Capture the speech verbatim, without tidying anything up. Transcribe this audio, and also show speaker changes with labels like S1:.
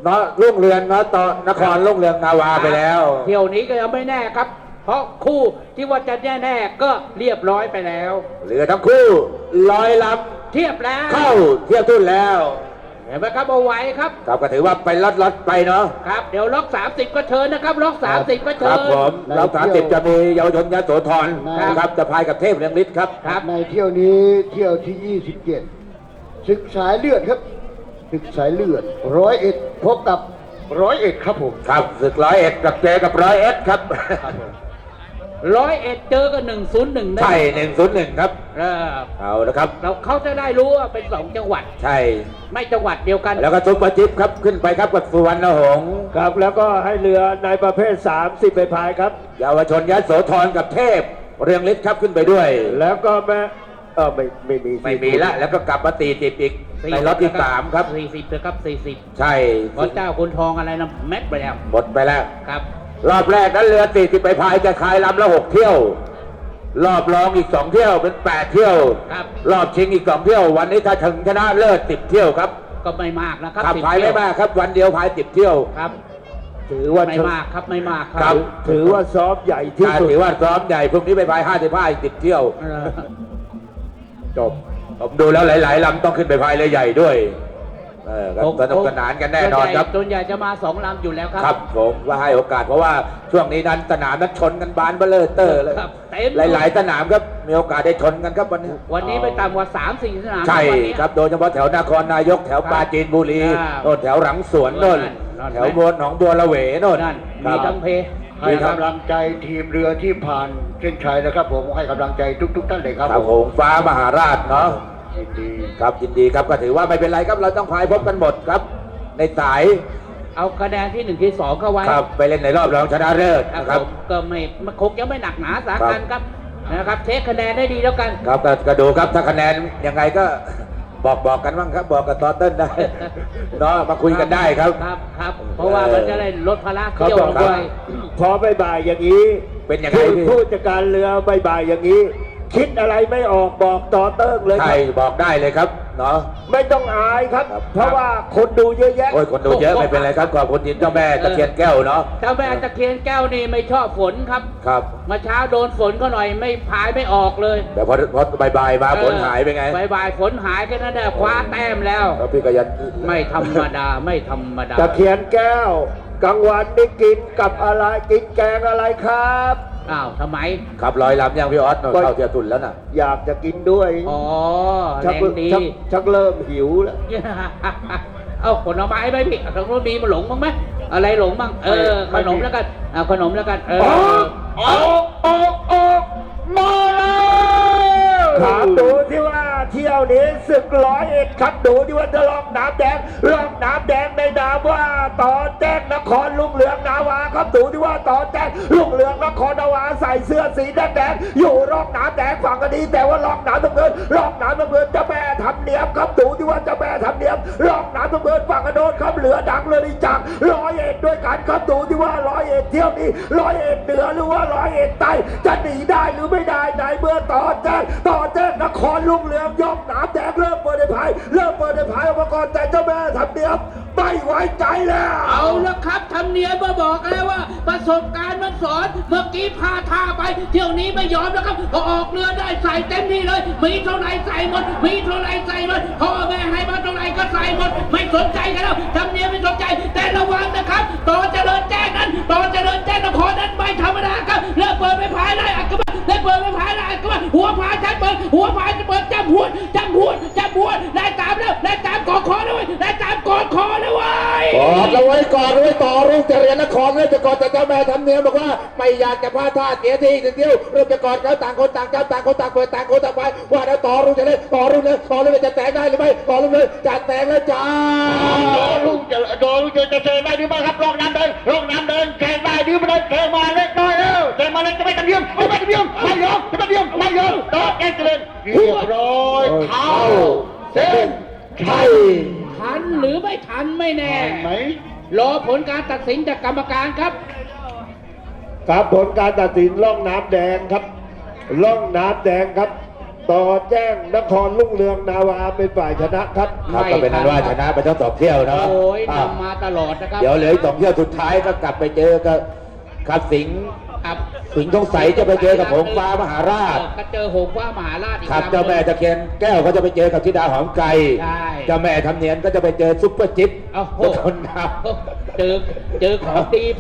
S1: เนาะรุ่งเรืองเนาะตอนนครรุ่งเรืองนาวาไปแล้ว
S2: เที่ยวนี้ก็ยังไม่แน่ครับ เพราะคู่ที่ว่าจะแน่ๆก็เรียบร้อยไปแล้ว
S1: เหลือทั้งคู่ร้อยลำ
S2: เทียบแล้ว
S1: เข้าเทียบทุ่นแล้ว
S2: เห็นไหมครับเอาไว้ครับ
S1: ครับก็ถือว่าไปล็อตๆไปเนาะ
S2: ครับเดี๋ยวล็อกสามสิบก็เชิญนะครับล็อกสามสิบก็เชิญ
S1: ครับผมล็อกสามสิบจะมีเยาวชนยโสธรนะครับจะพายกับเทพเรืองฤทธิ์ครับ
S3: ครับในเที่ยวนี้เที่ยวที่ยี่สิบเจ็ดศึกสายเลือดครับศึกสายเลือดร้อยเอ็ดพบกับร้อยเอ็ดครับผม
S1: ครับศึกร้อยเอ็ดกับเจกับร้อยเอ็ดครับ
S2: ร้อยเอ็ดเจอกันหนึ่งศูนย์หนึ่ง
S1: ใช่หนึ่งศูนย์หนึ่งครับเอาละครับ
S2: เราเขาจะได้รู้ว่าเป็นสองจังหวัด
S1: ใช่
S2: ไม่จังหวัดเดียวกัน
S1: แล้วก็ซุปเปอร์จิ๊บครับขึ้นไปครับกับสุวรรณหงษ์
S4: ครับแล้วก็ให้เรือในประเภทสามสิบไปพายครับ
S1: เยาวชนยโสธรกับเทพเรืองฤทธิ์ครับขึ้นไปด้วย
S4: แล้วก็แม่เออไม่ไม่มี
S1: ไม่มีละแล้วก็กลับมาตีติดอีกในรอบที่สามครับ
S2: สี่สิบครับสี่สิบ
S1: ใช่
S2: พระเจ้าคุณทองอะไรนะแม็กไปแล้ว
S1: หมดไปแล้ว
S2: ครับ
S1: รอบแรกนั้นเรือสี่สิบไปพายจะขายลำละหกเที่ยวรอบรองอีกสองเที่ยวเป็นแปดเที่ยวรอบชิงอีกสองเที่ยววันนี้ถ้าถึงชนะเลิศสิบเที่ยวครับ
S2: ก็ไม่มากนะครับ
S1: ขับพายไม่มากครับวันเดียวพายสิบเที่ยว
S2: ครับ
S4: ถือว่า
S2: ไม่มากครับไม่มาก
S4: ครับถือว่าซ้อมใหญ่ที่สุด
S1: ถือว่าซ้อมใหญ่พรุ่งนี้ไปพายห้าสิบห้าอีกสิบเที่ยวจบผมดูแล้วหลายๆลำต้องขึ้นไปพายเรือใหญ่ด้วยเออสนุกสนานกันแน่นอนครับ
S2: ส่วนใหญ่จะมาสองลำอยู่แล้วครับ
S1: ครับผมว่าให้โอกาสเพราะว่าช่วงนี้นั้นสนามนั้นชนกันบานเบลเลอร์เลยหลายๆสนามครับมีโอกาสได้ชนกันครับวันนี้
S2: วันนี้ไปต่ำกว่าสามสี่สนาม
S1: ใช่ครับโดยเฉพาะแถวนครนายกแถวปราจีนบุรีโน่นแถวหลังสวนโน่นแถวบนหนองบัวละเวโน่น
S2: มีทั้งเพ
S3: ให้กำลังใจทีมเรือที่ผ่านเส้นชัยนะครับผมให้กำลังใจทุกๆท่านเลยครับ
S1: ผมฟ้ามหาราชเนาะยินดีครับยินดีครับก็ถือว่าไม่เป็นไรครับเราต้องพายพบกันหมดครับในสาย
S2: เอาคะแนนที่หนึ่งที่สองเข้าไว้
S1: ครับไปเล่นในรอบรองชนะเลิศนะครับ
S2: ก็ไม่คงยังไม่หนักหนาสาหัสครับนะครับเทคคะแนนได้ดีแล้วกัน
S1: ครับก็ดูครับถ้าคะแนนยังไงก็บอกบอกกันบ้างครับบอกกับตอเติ้ลได้เนาะมาคุยกันได้ครับ
S2: ครับครับเพราะว่ามันจะได้ลดภาระเที่ยวลงไป
S4: พอบ่ายอย่างนี้
S1: เป็นยังไง
S4: ผู้จัดการเรือบ่ายอย่างนี้คิดอะไรไม่ออกบอกต่อเติ้งเลย
S1: ใช่บอกได้เลยครับเนาะ
S4: ไม่ต้องอายครับเพราะว่าคนดูเยอะแยะ
S1: โอ้ยคนดูเยอะไม่เป็นไรครับขอบคุณทีมเจ้าแม่ตะเคียนแก้วเนาะ
S2: เจ้าแม่ตะเคียนแก้วนี่ไม่ชอบฝนครับ
S1: ครับ
S2: มาเช้าโดนฝนก็หน่อยไม่พายไม่ออกเลย
S1: แต่พอพอบ่ายๆมาฝนหายไปไง
S2: บ่ายๆฝนหายแค่นั้นแหละคว้าแต้มแล้ว
S1: พี่ก็ยัน
S2: ไม่ธรรมดาไม่ธรรมดา
S4: ตะเคียนแก้วกลางวันนี่กินกับอะไรกินแกงอะไรครับ
S2: อ้าวทำไม
S1: ขับลอยลำยังพี่ออสเข้าเทียตุนแล้วน่ะ
S4: อยากจะกินด้วย
S2: อ๋อแรงดี
S4: ชักเริ่มหิวแล้ว
S2: เอาผลไม้ไหมพี่ทางโน้นมีมาหลงบ้างไหมอะไรหลงบ้างเออขนมแล้วกันเอาขนมแล้วกันเออ
S4: ออกออกออกมาแล้วถามดูที่ว่าเที่ยวนี้ศึกร้อยเอ็ดครับดูที่ว่าจะลองน้ำแดงลองน้ำแดงในนามว่าต่อแจ้งนครลุงเรืองนาวาครับดูที่ว่าต่อแจ้งลุงเรืองนครนาวาใส่เสื้อสีแดงแดงอยู่ร่องน้ำแดงฝั่งกันดีแต่ว่าร่องน้ำน้ำเงินร่องน้ำน้ำเงินจะแม่ทำเนียมครับดูที่ว่าจะแม่ทำเนียมร่องน้ำน้ำเงินฝั่งกันโดนครับเหลือดังเลยจังร้อยเอ็ดด้วยกันครับดูที่ว่าร้อยเอ็ดเที่ยวนี้ร้อยเอ็ดเหนือหรือว่าร้อยเอ็ดใต้จะหนีได้หรือไม่ได้ในเมื่อต่อแจ้งต่อแจ้งนครลุงเรืองยกน้ำแดงเริ่มเปิดในพายเริ่มเปิดในพายอุปกรณ์แต่เจ้าแม่ทำเนียมไม่ไว้ใจแล้ว
S2: เอาละครับทำเนียมมาบอกแล้วว่าประสบการณ์มันสอนเมื่อกี้พาท่าไปเที่ยวนี้ไม่ยอมแล้วครับพอออกเรือได้ใส่เต็มที่เลยมีเท่าไหร่ใส่หมดมีเท่าไหร่ใส่หมดพ่อแม่ให้มาเท่าไหร่ก็ใส่หมดไม่สนใจกันแล้วทำเนียมไม่สนใจแต่ระวังนะครับต่อเจริญแจ้งนั้นต่อเจริญแจ้งนครนั้นไม่ธรรมดาครับเริ่มเปิดไปพายได้อักกระบะเริ่มเปิดไปพายได้อักกระบะหัวพายชัดเปิดหัวพายจะเปิดจับหัวจับหัวจับหัวได้ตามแล้วได้ตามกอดคอแล้วได้ตามกอดคอแล้วเว้ย
S1: กอดเอาไว้กอดเอาไว้ต่อรุ่งเจริญนครเลยจะกอดแต่เจ้าแม่ทำเนียมบอกว่าไม่อยากจะพลาดท่าเสียทีหนึ่งเดียวเริ่มจะกอดเขาต่างคนต่างจับต่างคนต่างเปิดต่างคนต่างไปว่าแล้วต่อรุ่งเจริญต่อรุ่งเลยต่อรุ่งจะแตกได้หรือไม่ต่อรุ่งเลยจะแตกแล้วจ้า
S3: ต่อรุ่งจะต่อรุ่งจะจะเจอได้หรือไม่ครับลงน้ำเดินลงน้ำเดินแข่งได้หรือไม่ได้แข่งมาเล็กน้อยแล้วแข่งมาเล็กจะไม่ทำเนียมไม่ทำเนียมไม่ยอมไม่ทำเนียมไม่ยอมต่อแข่งเจริญเรียบร้อยเท้าเส้นชัย
S2: ทันหรือไม่ทันไม่แน่ไหมรอผลการตัดสินจากกรรมการครับ
S4: ครับผลการตัดสินล่องน้ำแดงครับล่องน้ำแดงครับต่อแจ้งนครลุ่งเรืองนาวาเป็นฝ่ายชนะครับ
S1: ครับก็เป็นนั้นว่าชนะไปทั้งสองเที่ยวเนาะ
S2: โอ้ย
S1: อ่ะ
S2: นำมาตลอดนะครับ
S1: เดี๋ยวเหลืออีกสองเที่ยวสุดท้ายก็กลับไปเจอกับครับสิงห์
S2: ครับ
S1: สิงห์ทองใสจะไปเจอกับหงส์ฟ้ามหาราช
S2: ก็เจอหงส์ฟ้ามหาราชอีก
S1: ครับ
S2: ลำหนึ่ง
S1: เจ้าแม่ตะเคียนแก้วก็จะไปเจอกับธิดาหอมไก่
S2: ใช่
S1: เจ้าแม่ทำเนียนก็จะไปเจอซุปเปอร์จิ๊บ
S2: โอ้โห
S1: คนน้ำ
S2: เจอเจอของดี